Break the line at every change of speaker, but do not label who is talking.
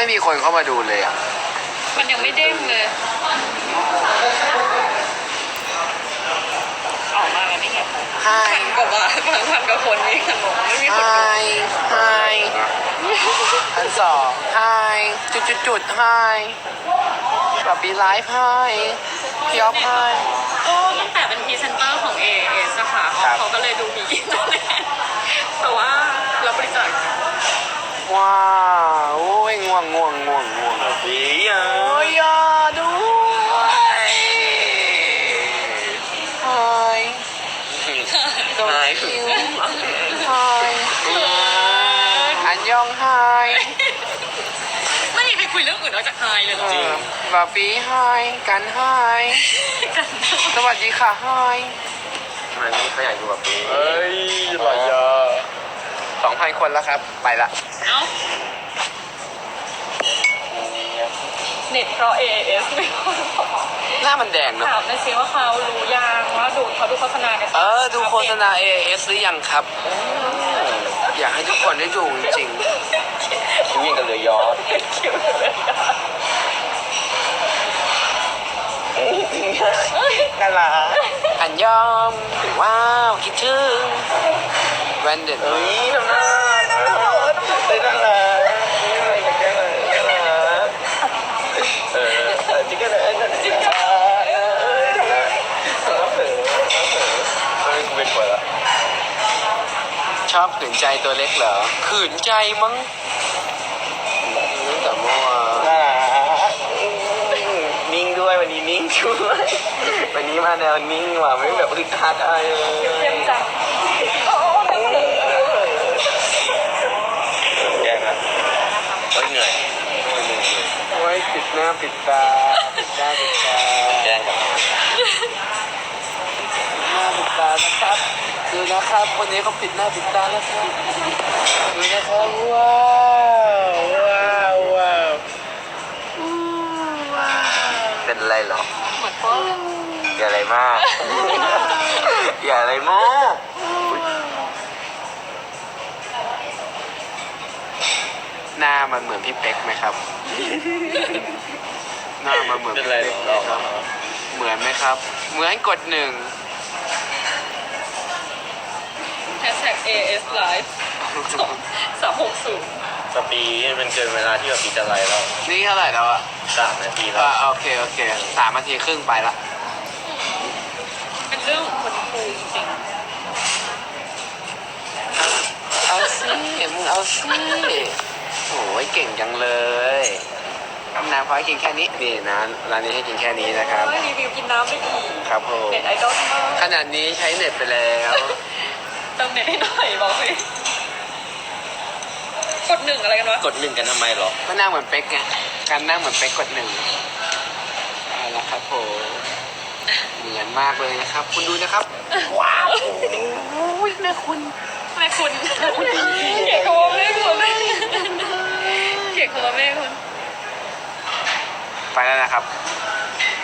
มีคนเข้ามาดูเลยอ่ะ
มันยังไม่เด้งเลยออกมาแล้วนี่ไง
Hi
พันกว่าบาทพันกว่าคนนี่ขนมไม่มีคนดู
Hi Hi อันสอง Hi จุด Hi แบบปีไลฟ์ Hi พี่ออฟ Hi
ก็ตั้งแต่เป็นพรีเซนเตอร์ของ AAS อะค่ะ
ครับ
เขาก็เลยดูมีอินเทอร์เน็ตแต่ว่าเราบริจาค
ว้าวโอ้ยง่วง
ดีอ่ะ
โอ้ยอย่าด้วย Hi
หาย
Hi อันยอง Hi
ไม่มีใครคุยเรื่องอื่นนอกจากไฮเลยเหรอ
บาปี Hi กัน Hi สวัสดีค่ะ Hi
มันนี่เขาอยากดูแบบนี้
เอ้ยหลายยา2,000 คนแล้วครับ ไปละ
เอ้าเน็ตเพราะ AAS ไม่ค่อยพอ
หน้ามันแดงเนอะ
ถามหน่อยสิว่าเขารู้ยังว่าเขาดูโฆษณาใน
ดูโฆษณา AS หรือยังครับ อยากให้ทุกคนได้ดูจริง
วิ่งกันเลยย้อน
คิวเลย
น่ารัก
ๆอันยอม ว้าว คิดถึงแวนเด็ด
เฮ้ยทำหน้าน่ารักเลยน่ารักจิ๊กกันเลยจิ๊กกันเป็นคนละ
ชอบขืนใจตัวเล็กเหรอ ขืนใจมั้งแต่เมื่อวาน
น่ารักนิ่งด้วยวันนี้นิ่งด้วยวันนี้มาแนวนิ่งว่ะไม่แบบอึดอัดอะไรเลย
เต็มจังโอ้เต็มจัง
แย่นะโอ้ยเหนื่อย
โอ้ยปิดหน้าปิดตาปิดหน้าปิดตา
แย่กัน
หน้าปิดตานะครับดูนะครับคนนี้เขาปิดหน้าปิดตาแล้วครับดูนะครับว้าวว้าว
เป็นไรเหรอ
เหมือนพวก
อย่าอะไรมาก อย่าอะไรมาก
หน้ามันเหมือนพี่เป๊กไหมครับ หน้ามันเหมือนพี่เป๊กไหมครับเหมือนไหมครับ เหมือนกด1
hashtag AS Live 360
สปีมันเกินเวลาที่แบบปีจะไรแล้ว
นี่เท่าไหร่แล้วอะ
3 นาทีแล้ว
โอเค3 นาทีครึ่งไปละ
เป็นเรื่องของคนคุยจริง
เอาสิมึงเอาสิโอ้ยเก่งจังเลยน้ำพอให้กินแค่นี้นี่นะร้านนี้ให้กินแค่นี้นะครับ
ไม่รีวิวกินน้ำได้อีก
ครับผม
เน็ตไอดอลมาก
ขนาดนี้ใช้เน็ตไปแล้ว
เติมเน็ตให้หน่อยบอกสิกด1อะไรกันวะ
กด1กันทำไมหรอ
ก็นั่งเหมือนเป๊กไงการนั่งเหมือนเป๊กกด1เอาละครับผมเหมือนมากเลยนะครับ คุณดูนะครับว้าวโอ้ยแม่คุณ
แม่คุณเกลียดคำว่าแม่คุณเกลียดคำว่าแม่คุณ
ไปแล้วนะครับ